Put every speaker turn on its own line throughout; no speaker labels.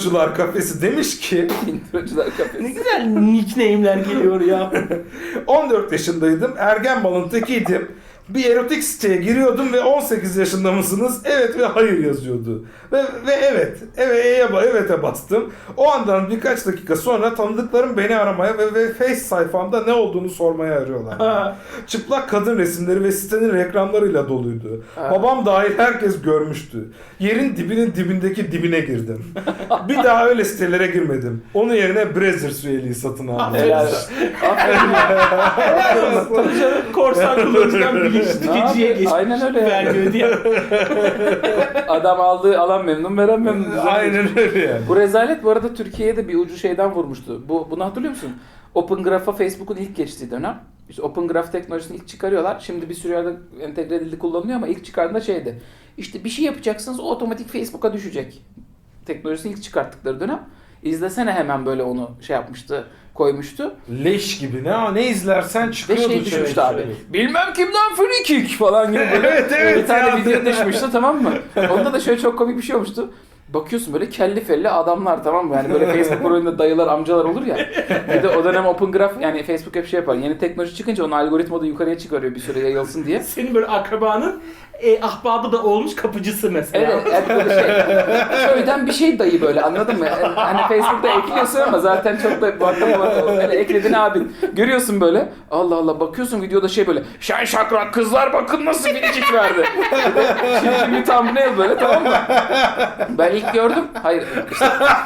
Introcular Kafesi demiş ki
Introcular Kafesi.
Ne güzel nickname'ler geliyor ya.
14 yaşındaydım, ergen balın tekiydim. Bir erotik siteye giriyordum ve 18 yaşında mısınız? Evet ve hayır yazıyordu. Ve evet'e bastım. O andan birkaç dakika sonra tanıdıklarım beni aramaya ve Face sayfamda ne olduğunu sormaya arıyorlar. Çıplak kadın resimleri ve sitenin reklamlarıyla doluydu. Babam dahil herkes görmüştü. Yerin dibinin dibindeki dibine girdim. Bir daha öyle sitelere girmedim. Onun yerine Brazzers üyeliği satın aldım.
Helal. Aferin ya.
Tabii canım, korsan kullanıcıdan bilinçli tüketiciye geçmiş.
Aynen öyle ya.
Vermiyor diye.
Adam aldığı alan memnun, veren memnun.
Aynen öyle yani.
Bu rezalet bu arada Türkiye'ye de bir ucu şeyden vurmuştu. Bunu hatırlıyor musun? Open Graph'a Facebook'un ilk geçtiği dönem. İşte Open Graph teknolojisini ilk çıkarıyorlar. Şimdi bir sürü yerde entegre edildi, kullanılıyor ama ilk çıkardığında şeydi. İşte bir şey yapacaksınız, o otomatik Facebook'a düşecek. Teknolojisini ilk çıkarttıkları dönem. İzlesene hemen böyle onu şey yapmıştı, koymuştu.
Leş gibi ne izlersen
Ve
çıkıyordu.
şey düşmüştü abi. Bilmem kimden free kick falan gibi böyle.
Evet,
bir tane
ya.
video düşmüştü, tamam mı? Onda da şöyle çok komik bir şey olmuştu. Bakıyorsun böyle kelli felli adamlar, tamam mı? Yani böyle Facebook profilinde dayılar, amcalar olur ya. Bir de o dönem Open Graph, yani Facebook hep şey yapar. Yeni teknoloji çıkınca onun algoritma da yukarıya çıkarıyor bir süre yayılsın diye.
Senin böyle akrabanın ahbabı da olmuş kapıcısı mesela.
Evet, hep böyle şey. Köyden bir şey dayı böyle, anladın mı? Yani hani Facebook'ta ekliyorsun ama zaten çok da böyle ekledin abi. Görüyorsun böyle. Allah Allah, bakıyorsun videoda şey böyle. Şen şakrak kızlar bakın nasıl biricik verdi. Şimdi bir thumbnail böyle, tamam mı? Ben ilk gördüm. Hayır. İşte,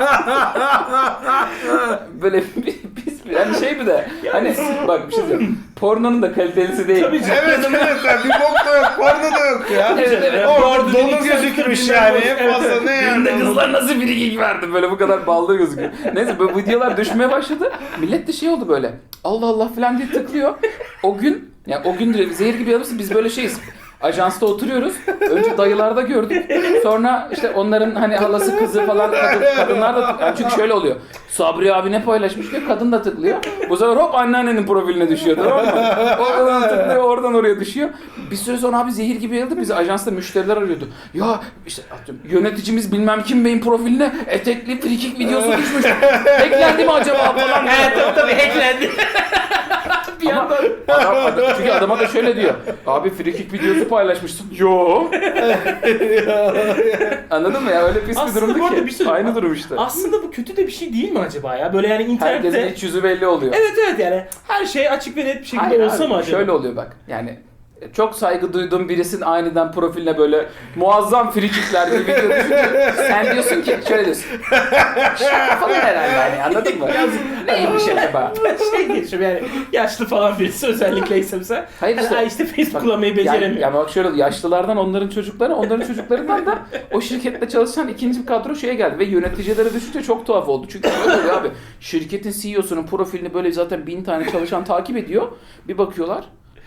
böyle pis yani şey bir de. Hani bak bir şey diyeyim. Pornonun da kalitelisi değil.
Tabii canım.
Evet bir bok da yok, porno da yok ya.
Evet, evet.
Orada donu gözükmüş yani. En fazla ne yani?
Birinde kızlar nasıl biricik verdi, böyle bu kadar ballı gözüküyor. Neyse bu videolar düşmeye başladı. Millet de şey oldu böyle. Allah Allah falan diye tıklıyor. O gün, yani o gün zehir gibi alırsın, biz böyle şeyiz. Ajansta oturuyoruz. Önce dayılarda gördük. Sonra işte onların hani halası kızı falan kadınlar da yani, çünkü şöyle oluyor. Sabri abi ne paylaşmış diyor, kadın da tıklıyor. Bu sefer hop anneannenin profiline düşüyor, tamam mı? Oradan tıklıyor, oradan oraya düşüyor. Bir süre sonra abi zehir gibi yayıldı. Bizi ajansta müşteriler arıyordu. Ya işte yöneticimiz bilmem kim beyin profiline etekli frikik videosu düşmüş. Hacklendi mi acaba falan.
Tabii hacklendi. Bir
Ama
yandan.
çünkü adama da şöyle diyor. Abi frikik videosu paylaşmışsın. Yo. Anladın mı ya? Öyle pis bir
Aslında
durumdu
bu arada
ki.
bir şey-
Aynı durum işte.
Aslında bu kötü de bir şey değil mi acaba ya? Böyle yani
Herkesin
internette...
iç yüzü belli oluyor.
Evet yani her şey açık ve net bir şekilde
Hayır
olsa
abi,
mı acaba?
şöyle oluyor bak. Yani çok saygı duyduğum birisinin aniden profiline böyle muazzam frikikler gibi video düşünce sen diyorsun ki şöyle diyorsun. Şaka falan herhalde yani, anladın mı? Neymiş acaba?
Şey geçiyorum yani yaşlı falan birisi özellikle ise mesela.
Hayır işte.
işte Facebook
Bak,
kullanmayı beceremiyor.
Yani bak şöyle, yaşlılardan onların çocukları, onların çocuklarından da o şirkette çalışan ikinci bir kadro şeye geldi ve yöneticilere düşünce çok tuhaf oldu. Çünkü böyle oluyor abi, şirketin CEO'sunun profilini böyle zaten 1000 tane çalışan takip ediyor. Bir bakıyorlar.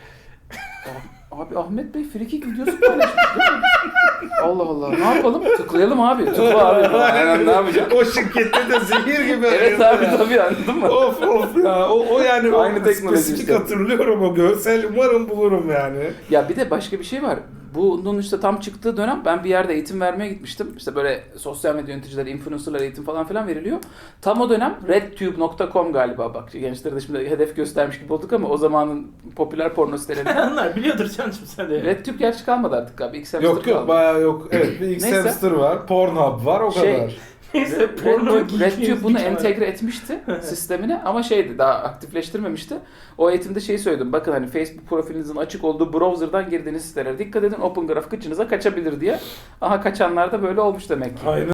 Abi Ahmet Bey frikik videosu paylaşmış değil mi? Allah Allah, ne yapalım? Tıklayalım abi. Tıkla abi. Yani ne yapacağım?
O şirkette de zehir gibi.
Evet abi
ya.
tabii, anladın mı?
Of ya. O yani
Aynı
o
teknoloji
spesifik
işte.
hatırlıyorum o görsel. Umarım bulurum yani.
Ya bir de başka bir şey var. Bunun işte tam çıktığı dönem ben bir yerde eğitim vermeye gitmiştim. İşte böyle sosyal medya yöneticileri, influencerlar eğitim falan filan veriliyor. Tam o dönem redtube.com galiba, bak gençlere de şimdi hedef göstermiş gibi olduk ama o zamanın popüler porno sitelerinden.
Onlar biliyordur canım sen de.
RedTube gerçi kalmadı artık abi. X-Hamster
Yok
kaldı.
bayağı yok. Evet bir
Neyse.
X-Hamster var. Pornhub var o
Şey,
kadar.
Neyse porno
RedTube bunu entegre etmişti sistemine ama şeydi, daha aktifleştirmemişti. O eğitimde şeyi söyledim. Bakın hani Facebook profilinizin açık olduğu browser'dan girdiğiniz sitelere dikkat edin. Open Graph kıçınıza kaçabilir diye. Aha, kaçanlar da böyle olmuş demek ki.
Aynen.